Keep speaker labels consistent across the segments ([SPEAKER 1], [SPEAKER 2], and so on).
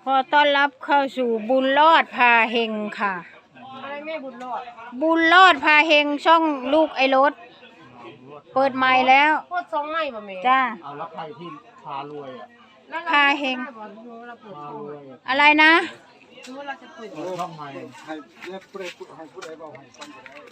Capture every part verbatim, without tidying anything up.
[SPEAKER 1] ขอต้อนรับเข้าสู่บุญรอดพาเฮงค่ะอะไรแม่บุญรอดบุญรอดพาเฮงช่องลูกไอ้รถเปิดใหม่แล้ว
[SPEAKER 2] เปิดสองใหม่ป่ะแม่
[SPEAKER 1] จ้า
[SPEAKER 3] เอาแล้วใครที่พารวยอ่ะ
[SPEAKER 1] พาเฮงอะไรนะ
[SPEAKER 3] เราจะเปิดช่องใหม่ให้เรียกผู้ใดผู้ให้ผู้ใดบอกให้ซ่อมก็ได้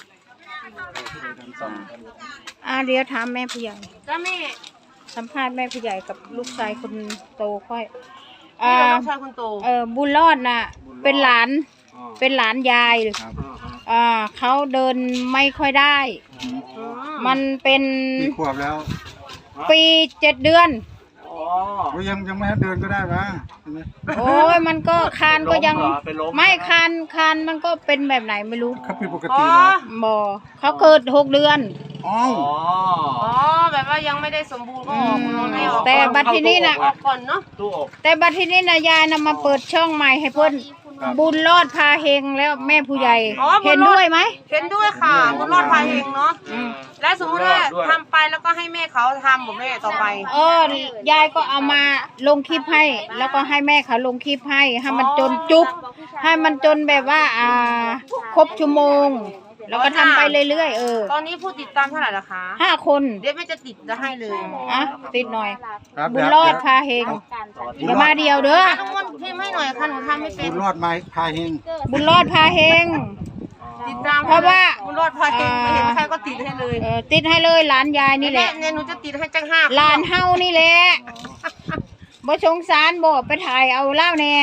[SPEAKER 1] อ่าเดี๋ยวถามแม่ผู้ใหญ่
[SPEAKER 2] จ้าแม่
[SPEAKER 1] สัมภาษณ์แม่ผู้ใหญ่กับลูกชายคนโตค่อย
[SPEAKER 2] อ่าลูกชายคนโต
[SPEAKER 1] เออบุญรอดน่ะเป็นหลานเป็นหลานยายอ่าเขาเดินไม่ค่อยได้มันเป็น
[SPEAKER 3] ปีขวบแล้ว
[SPEAKER 1] ปีเจ็ดเดือน
[SPEAKER 3] โอ้ยังยังไม่ให้เดินก็ได้ปะ
[SPEAKER 1] โอ้ยมันก็คานก็ยังไม่คานคานมันก็เป็นแบบไหนไม่รู้
[SPEAKER 3] เขาเป็นปกตินะ
[SPEAKER 1] บ่เขาเกิดหกเดือน
[SPEAKER 3] อ๋อ
[SPEAKER 2] อ๋อแบบว่ายังไม่ได้สมบูรณ์ก็ออกไม่ออก
[SPEAKER 1] แต่บัดทีนี้น่ะ
[SPEAKER 2] ออกก่อนเนาะ
[SPEAKER 1] แต่บัดทีนี้น่ะยายนำมาเปิดช่องใหม่ให้เพิ่นบุญรอดพาเฮงแล้วแม่ผู้ใหญ่เห็นด้วยไหม
[SPEAKER 2] เห็นด้วยค่ะบุญรอดพาเฮงเนาะและสมมติว่าทำไปแล้วก็ให้แม่เขาทำบอกแม่ต่อไป
[SPEAKER 1] เออยายก็เอามาลงคลิปให้แล้วก็ให้แม่เขาลงคลิปให้ให้มันจนจุ๊บให้มันจนแบบว่าอ่าครบชั่วโมงแล้วก็ทำไปเรื่อยๆเออ
[SPEAKER 2] ตอนนี้ผู้ติดตามเท่าไหร่ละคะ
[SPEAKER 1] ห้าคน
[SPEAKER 2] เดี๋ยวแม่จะติดจะให้เลย
[SPEAKER 1] อ่ะติดหน่อยบุญรอดพาเฮงอย่ามาเดียวเด้อ
[SPEAKER 2] ทุกคนพิมพ์ให้หน่อยค่ะหนูทำไม่เป็น
[SPEAKER 3] บุญรอดไม้พาเฮง
[SPEAKER 1] บุญรอดพาเฮง
[SPEAKER 2] ติดตาม
[SPEAKER 1] เพราะว่า
[SPEAKER 2] บุญรอดพาเฮงไม่เห็นใครก็ติดให้เลย
[SPEAKER 1] เออติดให้เลยหลานยายนี่แหละ
[SPEAKER 2] เนี่ยหนูจะติดให้จังห้า
[SPEAKER 1] หลานเฮานี่แหละบ่สงสารบ่ไปถ่ายเอาเล่าแน่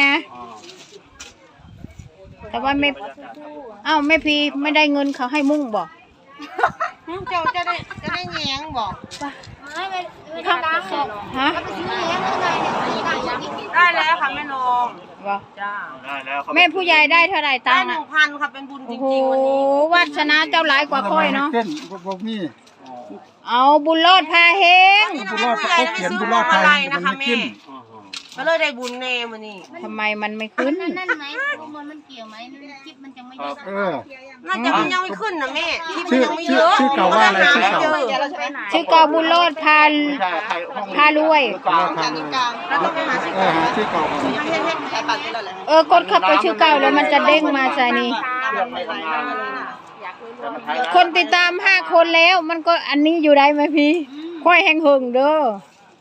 [SPEAKER 1] แต่ว่าไม่เอ้าแม่พีไม่ได้เงินเขาให้มุ่งบอก
[SPEAKER 2] เจ้าจะได้จะได้แยงบอก
[SPEAKER 1] ฮะ
[SPEAKER 2] ได้แล้วค่ะแม่นง
[SPEAKER 1] บอกจ้าได้แล้วแม่ผู้ใหญ่ได้เท่าไหร่ตังค์
[SPEAKER 2] หนึ่งพันค่ะเป็นบุญจริงๆวันนี้
[SPEAKER 1] โอ้วัฒนาเจ้าหลายกว่าค่อยเนาะเอาบุญรอดพาเฮง
[SPEAKER 3] บุญรอดเขาเขียนบุญรอดพาเฮงนะคะแม่
[SPEAKER 2] ก็เลยได้บุญเนมันนี่
[SPEAKER 1] ทำไมมันไม่ขึ้น
[SPEAKER 4] นั่นไหมมันมันเกี่ยวไหมคลิปมันยังไม่เยอะ
[SPEAKER 3] เออ
[SPEAKER 2] น่าจะมันยังไม่ขึ้นนะแม่คลิปมันยังไม่เยอะ
[SPEAKER 3] ชื่อเก่าว่าอะไรชื่อเก่า
[SPEAKER 1] ชื่อเก่าบุญรอดพาพารวย
[SPEAKER 3] ชื่อเก่า
[SPEAKER 1] เออกดเข้าไปชื่อเก่าแล้วมันจะเด้งมาใส่นี่คนติดตามห้าคนแล้วมันก็อันนี้อยู่ได้ไหมพี่ค่อยแห้งหึงเด้อ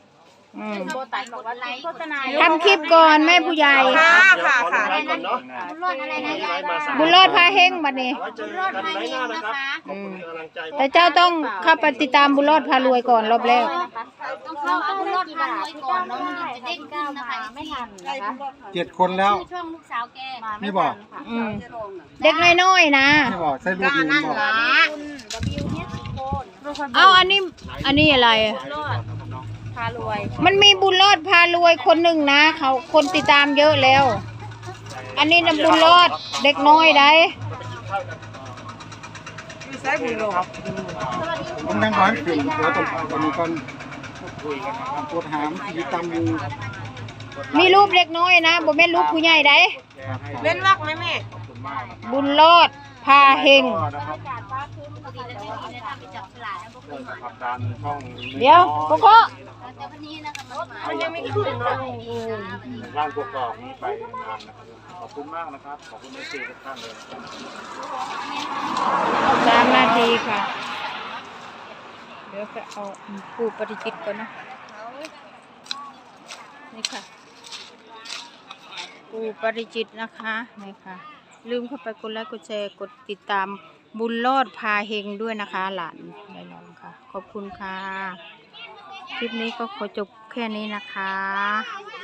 [SPEAKER 1] ทำคลิปก่อนแม่ผู้ใหญ่
[SPEAKER 2] ค่ะค่ะค่ะ
[SPEAKER 4] บุญรอดอะไรนะ
[SPEAKER 1] บุญรอดพาเฮงบัดนี้
[SPEAKER 4] บุญรอดพาเฮงนะคะ
[SPEAKER 1] แต่เจ้าต้องเข้าไปติดตามบุญรอดพารวยก่อนรอบแรก
[SPEAKER 4] ต้องเข้าบุญรอดพารวยก่อนแล้วมันจะเด้งขึ้นนะคะไม่ทันนะคะ
[SPEAKER 3] เจ็ดคนแล้ว
[SPEAKER 4] ช่องลูกสาวแก
[SPEAKER 3] ไม่บอก
[SPEAKER 1] เด็กน้อยๆนะ
[SPEAKER 3] ไม่บอกใส่ลูก
[SPEAKER 2] นั่นละ
[SPEAKER 1] เอาอันนี้อันนี้อะไรมันมีบุญรอดพารวยคนหนึ่งนะเขาคนติดตามเยอะแล้วอันนี้นะบุญรอดเด็กน้อยได้
[SPEAKER 3] ผมนั่งร้อนขึ้นแล้วตรงตรงนี้ก่อนปวดหามมีตำมี
[SPEAKER 1] มีรูปเด็กน้อยนะบ่แม่นรูปผู้ใหญ่ได้
[SPEAKER 2] เล่นวักไหมแม่
[SPEAKER 1] บุญรอดพาเฮงเดี๋ยวโกโก้
[SPEAKER 2] มันยังไม่ขึ้นเนาะ
[SPEAKER 3] ร่างกรอบนี้ไปนานนะครับขอบคุณมากนะครับขอบคุณในสื่อทุกท่านเลย
[SPEAKER 1] สามนาทีค่ะเดี๋ยวจะเอาปูปฏิจิตก่อนนะนี่ค่ะปูปฏิจิตนะคะนี่ค่ะลืมเข้าไปกดไลค์กดแชร์กดติดตามบุญรอดพาเฮงด้วยนะคะหลานได้ลองค่ะขอบคุณค่ะคลิปนี้ก็ขอจบแค่นี้นะคะ